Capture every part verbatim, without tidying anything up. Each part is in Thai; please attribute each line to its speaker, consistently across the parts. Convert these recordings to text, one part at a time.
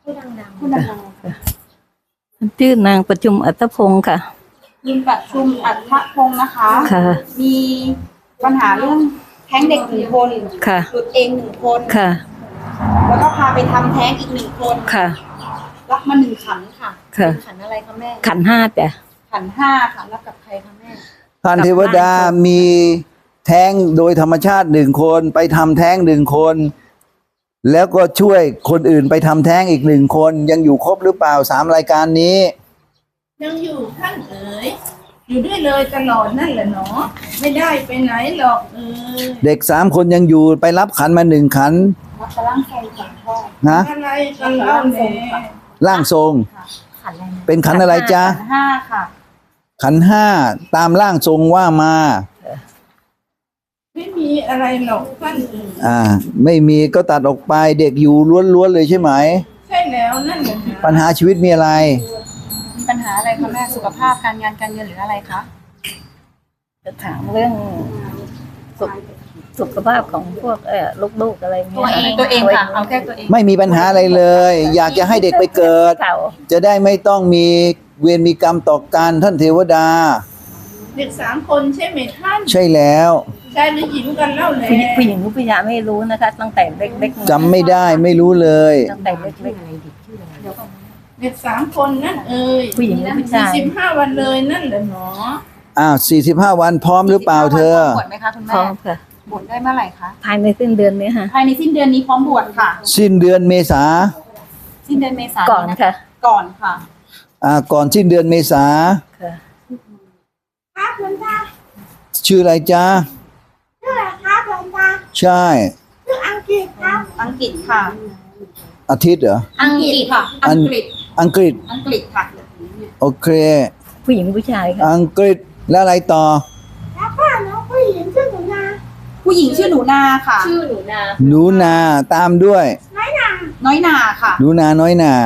Speaker 1: พูดดังๆพูดดังๆ
Speaker 2: ชื่อนางประชุมอัตพงศ์ค่ะ
Speaker 1: ยินประชุมอัธพงศ์นะคะ
Speaker 2: ค่ะ
Speaker 1: มีปัญหาเรื่องแท้งเด็กหนึ่งคน
Speaker 2: ค่ะ
Speaker 1: หลุดเองหนึ่งคน
Speaker 2: ค่ะ
Speaker 1: แล้วก็พาไปทำแท้งอีกหนึ่งคน
Speaker 2: ค่ะ
Speaker 1: รับมาหนึ่งขันค่ะ
Speaker 2: ค่ะ
Speaker 1: เป็นขันอะไรคะแม่
Speaker 2: ขันธ์ห้าจ้ะ
Speaker 1: ขันห้าค่ะรับกับใครคะแม่
Speaker 3: ท่านเทวดามีแท้งโดยธรรมชาติหนึ่งคนไปทำแท้งหนึ่งคน แล้วก็ช่วยคนอื่นไปทำแท้งอีกหนึ่งคนยังอยู่ครบหรือเปล่าสามรายการนี้
Speaker 4: ยังอยู่ท่านเอ๋ยอยู่ด้วยเลยตลอดนั่นแหละเนาะไม่ได้ไปไหนหรอกเอ๋ย
Speaker 3: เด็กสามคนยังอยู่ไปรับขันมาหนึ่งขัน
Speaker 1: รับกระล่างทรงของพ่อ
Speaker 3: นะ
Speaker 4: อะไรกันเล่าแน่
Speaker 3: ร่างทรง
Speaker 1: ขันอะไรนะ
Speaker 3: เป็นขันอะไรจ๊ะ
Speaker 1: ขันห้าค่ะ
Speaker 3: ขันห้าตามร่างทรงว่ามา
Speaker 4: ไม่มีอะไรหรอกท่านเอ๋ย
Speaker 3: อ่า ไม่มีก็ตัดออกไปเด็กอยู่ล้วนๆเลยใช่ไหม
Speaker 4: ใช่แล้วนั่นแหละนะ
Speaker 3: ปัญหาชีวิตมีอะไร
Speaker 1: มีปัญหาอะไรคะแม่สุขภาพการงานการเงินหรืออะไรคะ
Speaker 2: จะถามเรื่องสุขสุขภาพของพวกเออลูกๆอะไร
Speaker 1: ตัว
Speaker 2: เงี้ย
Speaker 1: เองตัวเองค่ะเอาแค่ตัวเอง
Speaker 3: ไม่มีปัญหาอะไรเลย อยากจะให้เด็กไปเกิด
Speaker 2: เก่า
Speaker 3: จะได้ไม่ต้องมีเวรมีกรรมต่อกันท่านเทวดา
Speaker 4: เด็กสามคนใช่ไหมท่าน
Speaker 3: ใช่แล้ว
Speaker 4: ชายหรือหญิงกันเล่าแน่
Speaker 2: ผู้หญิงผู้หญิงหรือผู้ชายไม่รู้นะคะ ตั้งแต่เล็กๆ
Speaker 3: จำไม่ได้ไม่รู้เลย
Speaker 2: ตั้งแต่เล็ก
Speaker 4: เด็กสามคนนั่นเอ๋ย
Speaker 2: ๆผู้หญิงหรือผู้
Speaker 4: สี่
Speaker 2: ชาย
Speaker 4: สิบห้าวันเลยนั่นแหละเนาะ
Speaker 3: อ้าวสี่สิบห้าวันพร้อมหรือเปล่าเธอ
Speaker 1: บวชไหมคะคุณ
Speaker 2: พร้
Speaker 1: แม่
Speaker 2: อมค่ะ
Speaker 1: บวชได้เมื่อไหร่คะ
Speaker 2: ภายในสิ้นเดือนนี้ค่ะ
Speaker 1: ภายในสิ้นเดือนนี้พร้อมบวชค่ะ
Speaker 3: สิ้นเดือนเมษา
Speaker 1: สิ้นเดือนเมษายน
Speaker 2: ก่อนค่ะ
Speaker 1: ก่อนค่ะ
Speaker 3: อ่าก่อนสิ้นเดือนเมษา
Speaker 2: ค่ะ
Speaker 5: ครับหลวงตา
Speaker 3: ชื่ออะไรจ๊ะ
Speaker 5: ชื่ออะไรครับหลวงตา
Speaker 3: ใช่
Speaker 5: ชื่ออังกฤษครับ
Speaker 1: อังกฤษค่ะ
Speaker 3: อาทิตย์เหรอ
Speaker 1: อังกฤษค่ะ
Speaker 3: อั
Speaker 1: อั
Speaker 3: น
Speaker 1: งกฤษ
Speaker 3: อังกฤษ
Speaker 1: อังกฤษค่ะ
Speaker 3: โอเค
Speaker 2: ผู้หญิงหรือผู้ชายค่ะ
Speaker 3: อังกฤษแล้วอะไรต่อ
Speaker 5: แล้วก็น้องผู้หญิงชื่อหนูนา
Speaker 1: ผู้หญิงชื่อหนูนาค่ะ
Speaker 2: ชื่อหนูนา
Speaker 3: หนูนาตามด้วย
Speaker 5: น้อยนา
Speaker 1: น้อยนาค่ะ
Speaker 3: หนูนาน้อยนา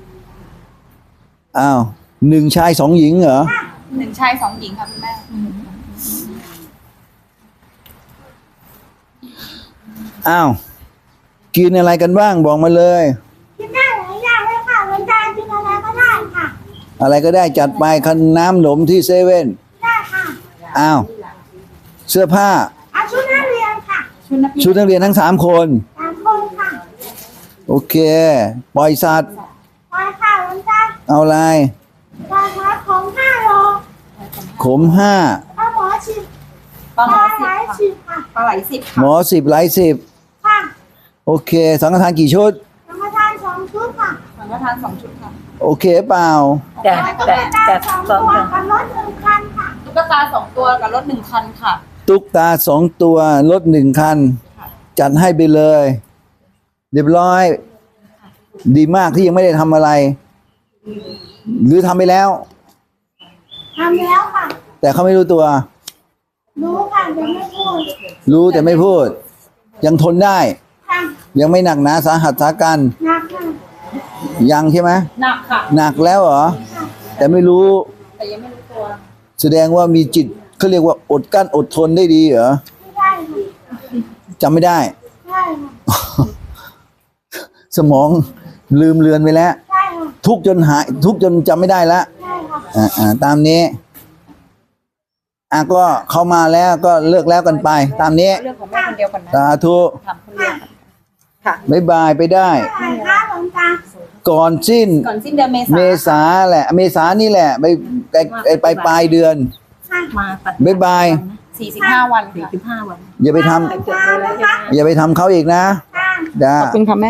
Speaker 3: อ้าวหนึ่งชายสองหญิงเหรอ
Speaker 1: หนึ่งชายสองหญิงค่ะคุณแม่
Speaker 3: อ้าวกินอะไรกันบ้างบอกมาเลย
Speaker 5: กินได้หลายอย่างเลยค่ะหลวงตากินอะไรก็ได้ค่ะ
Speaker 3: อะไรก็ได้จัดไปคันน้ำหนมที่เซเว่น
Speaker 5: ได้ค่ะ
Speaker 3: อ้าวเสื้อผ้า
Speaker 5: เอาชุดนักเรียนค่ะ
Speaker 1: ชุดนักเรียน
Speaker 3: ชุดนักเรียนทั้งสามคน
Speaker 5: สามคนค่ะ
Speaker 3: โอเค ปล่อยสัตว์
Speaker 5: ไปค่ะหลวงตา
Speaker 3: เอาอะไร
Speaker 5: ปลาหมอของห้าโล
Speaker 3: ขมห้า
Speaker 5: ปลาหมอสิบ
Speaker 1: ปลา
Speaker 5: ป
Speaker 1: หม
Speaker 5: ลา
Speaker 1: อ
Speaker 5: ไหล
Speaker 1: สิบค่ะ
Speaker 5: สิบค่ะ
Speaker 1: ปลาไหลสิบ
Speaker 3: หม
Speaker 1: ค่ะ
Speaker 3: อสิบไหลสิบ
Speaker 5: ค่ะ
Speaker 3: โอเค สังฆทานกี่ชุด
Speaker 5: ธรรมทานสองชุดค่ะ
Speaker 1: สังฆทานสองชุดค่ะ
Speaker 3: โอเคเปล่า
Speaker 2: แต่
Speaker 5: แล้วก็
Speaker 2: แต่
Speaker 5: เป็นตา
Speaker 2: แต่
Speaker 5: สอง
Speaker 2: สอง
Speaker 5: ตัว
Speaker 2: ค่ะ
Speaker 5: กับรถหนึ่งคันค่ะ
Speaker 1: ตุ๊กตาสองตัวกับรถหนึ่งคันค่ะ
Speaker 3: ตุ๊กตาสองตัวรถหนึ่งคัน จัดให้ไปเลย เรียบร้อย ดีมากที่ยังไม่ได้ทำอะไร หรือทำไปแล้ว
Speaker 5: ทำแล้วค่ะ
Speaker 3: แต่เขาไม่รู้ตัว
Speaker 5: รู้ค่ะยังไม่พูด
Speaker 3: รู้แต่ไม่พูด ยังทนได้
Speaker 5: ค่ะ
Speaker 3: ยังไม่หนักหนาสาหัสสากัน
Speaker 5: หนักค่ะ
Speaker 3: ยังใช่ไหม
Speaker 1: หนักค่ะ
Speaker 3: หนักแล้วเหรอ แต่ไม่รู้
Speaker 1: แต่ยังไม่รู้ตัว
Speaker 3: แสดงว่ามีจิตเขาเรียกว่าอดกั้นอดทนได้ดีเหรอ
Speaker 5: ไม่ได้ค่ะ
Speaker 3: จำไม่ได้
Speaker 5: ใช่ค่ะ
Speaker 3: สมองลืมเลือนไปแล้ว
Speaker 5: ใช่ค่ะ
Speaker 3: ทุกข์จนหาย ทุกข์จนจำไม่ได้แล้ว
Speaker 5: ใช่ค่ะ
Speaker 3: อ่าอ่าตามนี้อ่ะก็เข้ามาแล้วก็เลิกแล้วกันไป ตามนี้
Speaker 1: เรื่องของแม่คนเดียวก่อนนะ
Speaker 3: สาธุ
Speaker 1: ถามคนเดียวก่อนค่ะ
Speaker 3: บ๊ายบายไปได้
Speaker 5: ใช่ค่ะหลวงตา
Speaker 3: ก่อนสิ้น
Speaker 1: ก่อนสิ้นเดือนเมษา
Speaker 3: เมษาแหละ เมษานี่แหละ ไปไปไปไปปลายเดือน
Speaker 5: ค่ะ
Speaker 2: มาตัด
Speaker 3: บ๊ายบาย
Speaker 1: สี่สิบห้าวัน
Speaker 2: สี่
Speaker 1: ค่ะ
Speaker 2: สิบห้าวัน
Speaker 3: อย่าไปทำ
Speaker 5: หลวงตานะคะ
Speaker 3: อย่าไปทำเขาอีกนะ
Speaker 5: ค่ะ
Speaker 3: จ้า
Speaker 1: ขอบคุณค่ะแม่